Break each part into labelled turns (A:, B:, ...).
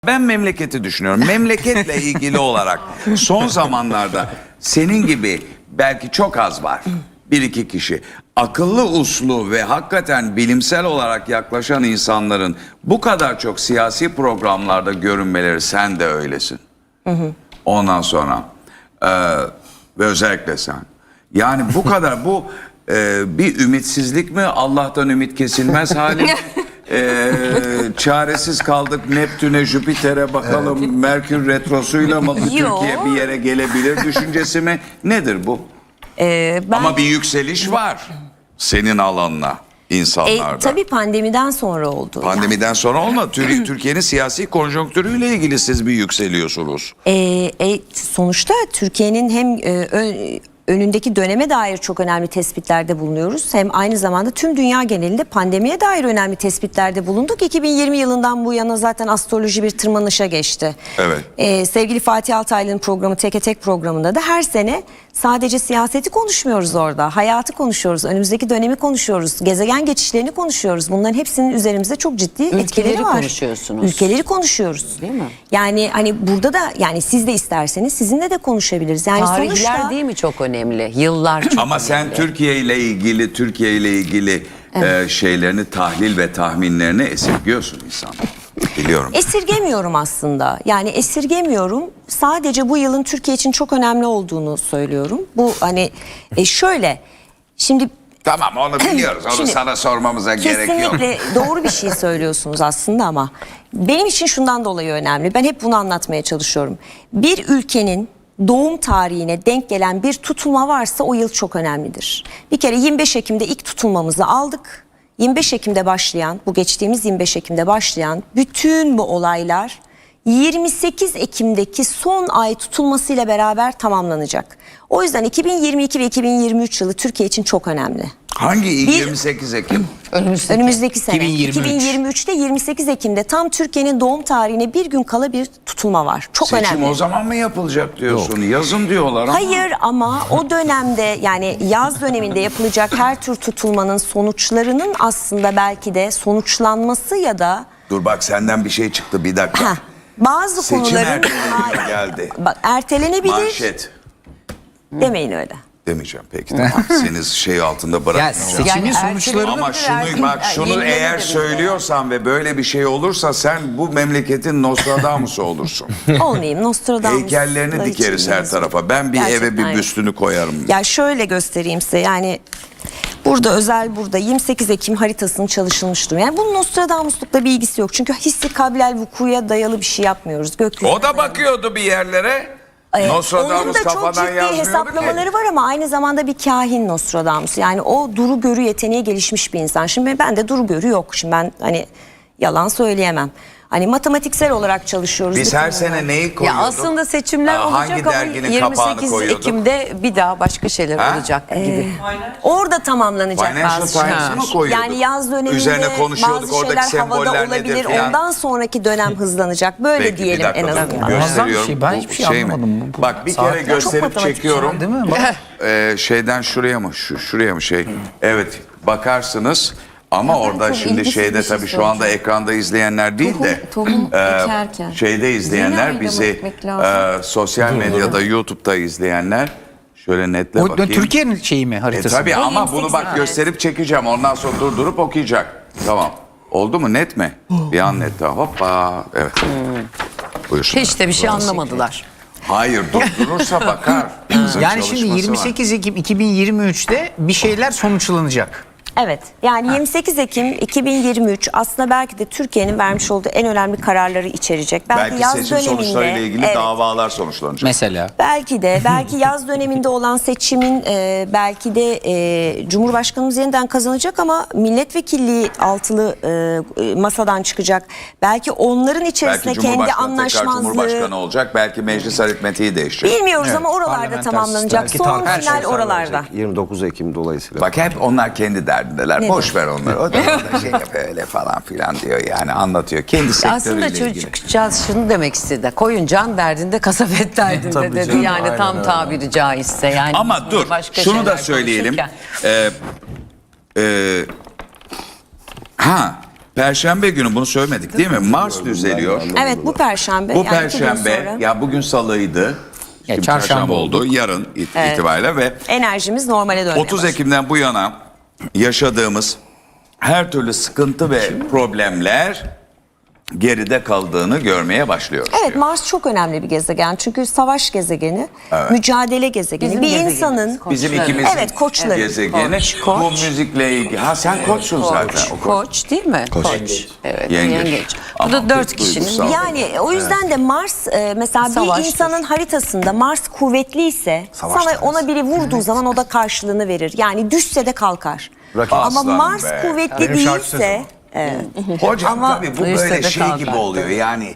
A: Ben memleketi düşünüyorum. Memleketle ilgili olarak son zamanlarda senin gibi belki çok az var. Bir iki kişi. Akıllı uslu ve hakikaten bilimsel olarak yaklaşan insanların bu kadar çok siyasi programlarda görünmeleri, sen de öylesin. Ondan sonra ve özellikle sen. Yani bu kadar bu bir ümitsizlik mi? Allah'tan ümit kesilmez hali mi? Çaresiz kaldık Neptün'e, Jüpiter'e bakalım, Merkür retrosuyla mı Türkiye bir yere gelebilir düşüncesi mi? Nedir bu? Ama bir yükseliş var senin alanına insanlarda.
B: Tabii pandemiden sonra oldu.
A: Pandemiden sonra olmadı. Türkiye'nin siyasi konjonktürüyle ilgili siz bir yükseliyorsunuz.
B: Sonuçta Türkiye'nin hem önündeki döneme dair çok önemli tespitlerde bulunuyoruz. Hem aynı zamanda tüm dünya genelinde pandemiye dair önemli tespitlerde bulunduk. 2020 yılından bu yana zaten astroloji bir tırmanışa geçti.
A: Evet.
B: Sevgili Fatih Altaylı'nın programı Teke Tek programında da her sene sadece siyaseti konuşmuyoruz orada. Hayatı konuşuyoruz, önümüzdeki dönemi konuşuyoruz, gezegen geçişlerini konuşuyoruz. Bunların hepsinin üzerimizde çok ciddi etkileri var.
C: Konuşuyorsunuz.
B: Ülkeleri konuşuyoruz.
C: Değil mi?
B: Yani hani burada da yani siz de isterseniz sizinle de konuşabiliriz. Yani
C: Tarihler
B: sonuçta
C: değil mi çok önemli? Yıllar çok
A: Ama sen
C: önemli.
A: Türkiye ile ilgili şeylerini, tahlil ve tahminlerini esirgiyorsun insan. Biliyorum.
B: esirgemiyorum aslında. Yani esirgemiyorum. Sadece bu yılın Türkiye için çok önemli olduğunu söylüyorum. Bu hani şöyle şimdi
A: Tamam, onu biliyoruz. Onu
B: Şimdi,
A: sana sormamıza gerek yok.
B: kesinlikle doğru bir şey söylüyorsunuz aslında ama benim için şundan dolayı önemli. Ben hep bunu anlatmaya çalışıyorum. Bir ülkenin doğum tarihine denk gelen bir tutulma varsa o yıl çok önemlidir. Bir kere 25 Ekim'de ilk tutulmamızı aldık. 25 Ekim'de başlayan, bu geçtiğimiz 25 Ekim'de başlayan bütün bu olaylar 28 Ekim'deki son ay tutulmasıyla beraber tamamlanacak. O yüzden 2022 ve 2023 yılı Türkiye için çok önemli.
A: Hangi il?
B: Bir-
A: 28 Ekim?
B: Önümüzdeki sene
D: 2023.
B: 2023'te 28 Ekim'de tam Türkiye'nin doğum tarihine bir gün kala bir tutulma var. Çok
A: Seçim
B: önemli.
A: o zaman mı yapılacak diyorsun? Yazın diyorlar ama.
B: Hayır ama o dönemde yani yaz döneminde yapılacak her tür tutulmanın sonuçlarının aslında belki de sonuçlanması ya da
A: Dur bak, senden bir şey çıktı, bir dakika.
B: bazı
A: Seçim
B: konuların
A: ertelenebilir geldi.
B: Bak, ertelenebilir
A: Manşet.
B: demeyin öyle.
A: Demeyeceğim peki. Tamam. Seni şey altında
D: Ya
A: bırakmayacağım.
D: seçimin
C: Yani
D: sonuçlarını
A: Ama şunu
C: yenilenebilir
A: eğer
C: de.
A: söylüyorsan ve böyle bir şey olursa sen bu memleketin Nostradamus'u olursun.
B: Olmayayım Nostradamus.
A: Heykellerini dikeriz her tarafa. Ben bir eve
B: Gerçekten
A: bir
B: yok.
A: büstünü koyarım.
B: Ya şöyle göstereyim size yani burada 28 Ekim haritasının çalışılmış durum. Yani bunun Nostradamuslukla bir ilgisi yok. Çünkü hissi kabilel vukuya dayalı bir şey yapmıyoruz. Gökyüzü.
A: O da bakıyordu bir yerlere.
B: Onun
A: Nostradamus
B: da çok
A: kafadan
B: ciddi
A: yazmıyordu
B: hesaplamaları
A: ki.
B: var ama aynı zamanda bir kahin Nostradamus. Yani o duru görü yeteneği gelişmiş bir insan. Şimdi ben de duru görü yok. Şimdi ben hani yalan söyleyemem. Hani matematiksel olarak çalışıyoruz.
A: Biz
B: bütün
A: her
B: bunlar.
A: sene neyi
C: Ya
A: koyuyorduk?
C: aslında seçimler
A: Hangi
C: olacak ama
A: derginin kapağını
C: 28
A: koyuyorduk?
C: Ekim'de bir daha başka şeyler olacak gibi.
B: Orada tamamlanacak
A: Financial
B: bazı
A: Times'ı
B: şeyler.
A: mı koyuyorduk?
B: Yani yaz döneminde
A: Üzerine konuşuyorduk,
B: bazı
A: oradaki
B: şeyler havada
A: semboller nedir
B: olabilir.
A: falan.
B: Ondan sonraki dönem hızlanacak. Böyle
A: Peki, bir
B: diyelim
A: dakika,
B: en
A: dur.
B: azından.
D: Muazzam bir
A: Gösteriyorum.
D: şey. Ben
A: Bu
D: hiçbir şey
A: mi?
D: anlamadım. Bu
A: Bak bir
D: saatler
A: kere
D: çok
A: gösterip
B: matematik
A: çekiyorum.
D: değil mi? Bak.
A: Şeyden şuraya mı? Şuraya mı şey? Evet, bakarsınız. Ama orada
E: çok
A: şimdi
E: ilginç
A: şeyde
E: bir şey
A: tabii şu anda
E: soracağım.
A: ekranda izleyenler değil de
E: Tohum ekerken.
A: şeyde
E: Yeni
A: izleyenler
E: ayda
A: bizi
E: bakmak lazım.
A: sosyal medyada YouTube'da izleyenler şöyle netle
D: O
A: bakayım.
D: Türkiye'nin şeyi mi haritası?
A: Tabii ama
B: 28
A: bunu bak
B: evet.
A: gösterip çekeceğim. Ondan sonra durdurup okuyacak. Tamam. Oldu mu? Net mi? Bir an net daha. Hoppa. Evet. Buyursunlar.
C: Hiç de bir şey anlamadılar.
A: Hayır, durdurursa bakar. Kızın
D: Yani şimdi
A: çalışması
D: 28 Ekim 2023'te bir şeyler sonuçlanacak.
B: Evet. Yani 28 Ekim 2023 aslında belki de Türkiye'nin vermiş olduğu en önemli kararları içerecek.
A: Belki
B: yaz
A: seçim sonuçlarıyla ilgili
B: evet,
A: davalar sonuçlanacak.
D: Mesela.
B: belki yaz döneminde olan seçimin belki de Cumhurbaşkanımız yeniden kazanacak ama milletvekilliği altılı masadan çıkacak. Belki onların içerisinde
A: Belki
B: kendi
A: Cumhurbaşkanı tekrar
B: anlaşmazlığı
A: Cumhurbaşkanı olacak. Belki meclis aritmetiği değişecek.
B: bilmiyoruz
D: Evet,
B: ama oralarda
D: parlamenter
B: tamamlanacak.
D: belki
B: Son
D: her
B: final
D: şey
B: oralarda.
F: 29 Ekim dolayısıyla.
A: Bak hep onlar kendi derdindeler.
B: Ne
A: Boş ver onları. O da orada şey yapıyor öyle falan filan diyor yani, anlatıyor. Kendi
C: Aslında
A: sektörüyle ilgili.
C: çocukcağız şunu demek istedi. Koyun can derdinde, kasabet derdinde
F: Tabii
C: dedi.
F: canım,
C: Yani
F: aynen
C: tam
F: öyle.
C: tabiri caizse. Yani
A: Ama
C: biz
A: dur
C: başka
A: şunu da
C: şeyler
A: söyleyelim.
C: konuşurken.
A: Perşembe günü bunu söylemedik değil mi? Mars düzeliyor.
B: Evet, bu perşembe.
A: Bu
B: yani 2 gün
A: perşembe
B: sonra
A: ya bugün salıydı. Şimdi
D: çarşamba
A: oldu. Yarın itibariyle ve
B: enerjimiz normale dönmeye
A: 30
B: başlıyor.
A: Ekim'den bu yana yaşadığımız her türlü sıkıntı ve problemler geride kaldığını görmeye başlıyoruz.
B: Evet, Mars çok önemli bir gezegen. Çünkü savaş gezegeni, mücadele gezegeni.
C: Bizim
B: bir
C: gezegenimiz,
B: insanın
A: Bizim
C: Koçları.
A: ikimizin
B: Evet, koçları.
A: gezegeni.
B: Koç.
A: Bu müzikle ilgili. Ha sen koçsun zaten. O koç.
C: Koç değil mi? Koç. Evet,
A: Yengeç.
C: yengeç. Bu
A: Ama
C: da 4
A: pek
C: kişinin.
A: duygusal.
B: yani o yüzden de Mars mesela
C: Savaştır.
B: bir insanın haritasında Mars kuvvetliyse sana ona biri vurduğu zaman o da karşılığını verir. Yani düşse de kalkar. Ama
A: Aslanım
B: Mars
A: be.
B: kuvvetli
D: Benim şarkı sözüm
B: değilse
A: Hocam
B: Ama
A: tabii bu
C: duysa
A: böyle
C: da
A: şey gibi
C: kalkar.
A: oluyor. Yani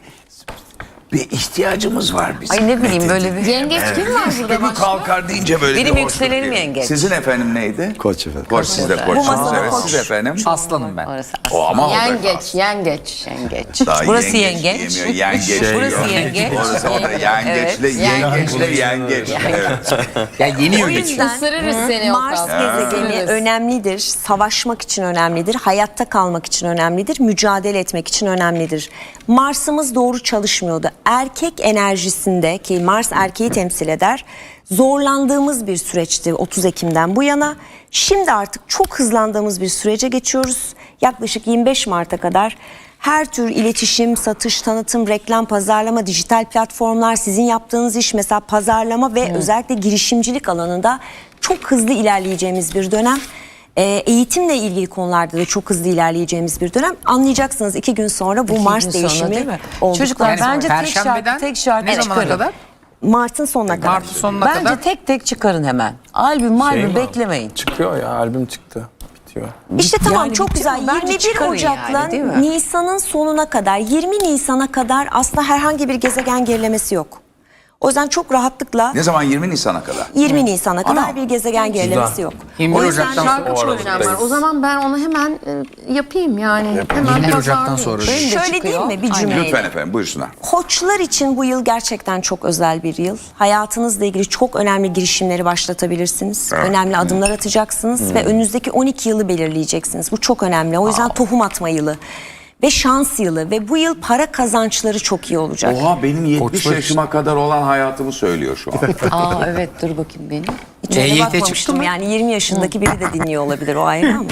A: bir ihtiyacımız var bizim.
C: Ay ne bileyim böyle bir...
E: Yengeç kim var burada
A: Üstümü
E: başka?
A: kalkar deyince böyle
C: Benim
A: bir hoşluk
C: yükselenim
A: geliyor.
C: yengeç.
A: Sizin efendim neydi?
F: Koç efendim.
A: Koç, siz de koçsunuz.
B: masada
A: Evet,
B: koç.
A: siz efendim.
D: Aslanım ben.
C: Orası
A: O ama o da
E: Yengeç, yengeç.
C: yengeç.
A: Daha
C: Burası
A: yengeç
C: yengeç.
A: diyemiyor, yengeç
C: Burası
A: diyor.
C: yengeç.
A: Orası o da yengeçle, yengeçle yengeç. Evet.
D: Ya yeniyor
B: o
D: geçiyor.
B: yüzden
E: Isırırız seni
B: Mars
E: Okan.
B: gezegeni
E: Isırırız.
B: önemlidir. Savaşmak için önemlidir. Hayatta kalmak için önemlidir. Mücadele etmek için önemlidir. Mars'ımız doğru çalışmıyordu. Erkek enerjisinde ki Mars erkeği temsil eder. Zorlandığımız bir süreçti 30 Ekim'den bu yana. Şimdi artık çok hızlandığımız bir sürece geçiyoruz. Yaklaşık 25 Mart'a kadar her tür iletişim, satış, tanıtım, reklam, pazarlama, dijital platformlar, sizin yaptığınız iş mesela pazarlama ve özellikle girişimcilik alanında çok hızlı ilerleyeceğimiz bir dönem. Eğitimle ilgili konularda da çok hızlı ilerleyeceğimiz bir dönem. Anlayacaksınız 2 gün sonra bu Mars
C: Sonra değil
B: değişimi
C: mi?
B: olduktan
C: Çocuklar
B: sonra.
C: bence
D: Perşembeden
C: tek şarkı
D: ne zamana
C: çıkarın.
D: kadar?
B: Mart'ın sonuna kadar.
D: Mart'ın sonuna
C: Bence
D: kadar.
C: tek tek çıkarın hemen. Albüm beklemeyin.
F: Çıkıyor ya, albüm çıktı. Bitiyor.
B: İşte tamam
C: Yani
B: çok
C: bitti
B: güzel.
C: mi? Bence
B: 21
C: çıkarın
B: Ocak'la
C: yani, değil mi?
B: Nisan'ın sonuna kadar 20 Nisan'a kadar aslında herhangi bir gezegen gerilemesi yok. O yüzden çok rahatlıkla
A: Ne zaman 20 Nisan'a kadar?
B: 20 Nisan'a kadar
A: Ana.
B: bir gezegen gerilemesi yok.
D: 21
B: O yüzden
D: Ocak'tan
E: Şarkı
F: O
E: çok
F: aralıktayız.
E: önemli var. O zaman ben onu hemen yapayım yani. Hemen
D: 21 Ocak'tan
E: pazarlayayım.
D: sonra.
C: Benim de
B: şöyle
C: çıkıyor.
B: değil mi bir cümleyle?
A: Lütfen efendim buyursunlar.
B: Koçlar için bu yıl gerçekten çok özel bir yıl. Hayatınızla ilgili çok önemli girişimleri başlatabilirsiniz. Önemli adımlar atacaksınız ve önünüzdeki 12 yılı belirleyeceksiniz. Bu çok önemli. O yüzden tohum atma yılı ve şans yılı ve bu yıl para kazançları çok iyi olacak.
A: Oha benim 70
D: Koçlar
A: yaşıma kadar olan hayatımı söylüyor şu an.
C: Aa evet dur bakayım benim.
B: Hiç öyle
D: EYT çıktı
B: bakmamıştım.
D: mı?
B: Yani 20 yaşındaki biri de dinliyor olabilir o ayrı ama.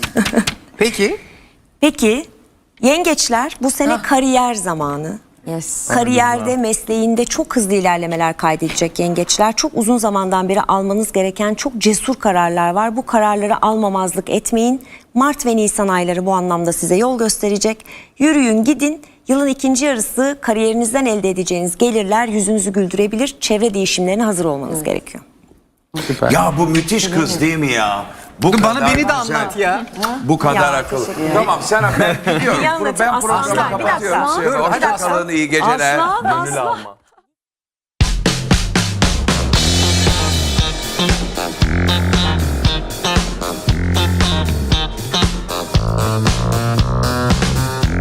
D: Peki.
B: Peki yengeçler bu sene kariyer zamanı.
C: Yes.
B: Kariyerde, mesleğinde çok hızlı ilerlemeler kaydedecek yengeçler. Çok uzun zamandan beri almanız gereken çok cesur kararlar var. Bu kararları almamazlık etmeyin. Mart ve Nisan ayları bu anlamda size yol gösterecek. Yürüyün, gidin. Yılın ikinci yarısı kariyerinizden elde edeceğiniz gelirler yüzünüzü güldürebilir. Çevre değişimlerine hazır olmanız gerekiyor.
F: Süper.
A: Ya bu müthiş kız değil mi ya? Bu
D: Bana
A: kadar
D: beni de
A: güzel.
D: anlat ya.
A: Bu kadar
B: Ya,
A: akıllı.
B: teşekkür ederim.
A: Tamam sen ben gidiyorum.
B: Bir anlatayım.
A: Ben
B: Aslan,
A: programı
B: bir dakika.
A: kapatıyorum. size.
B: Dur,
A: Hoşça
B: hadi
A: kalın, iyi geceler.
B: Aslan,
F: Gönül alma.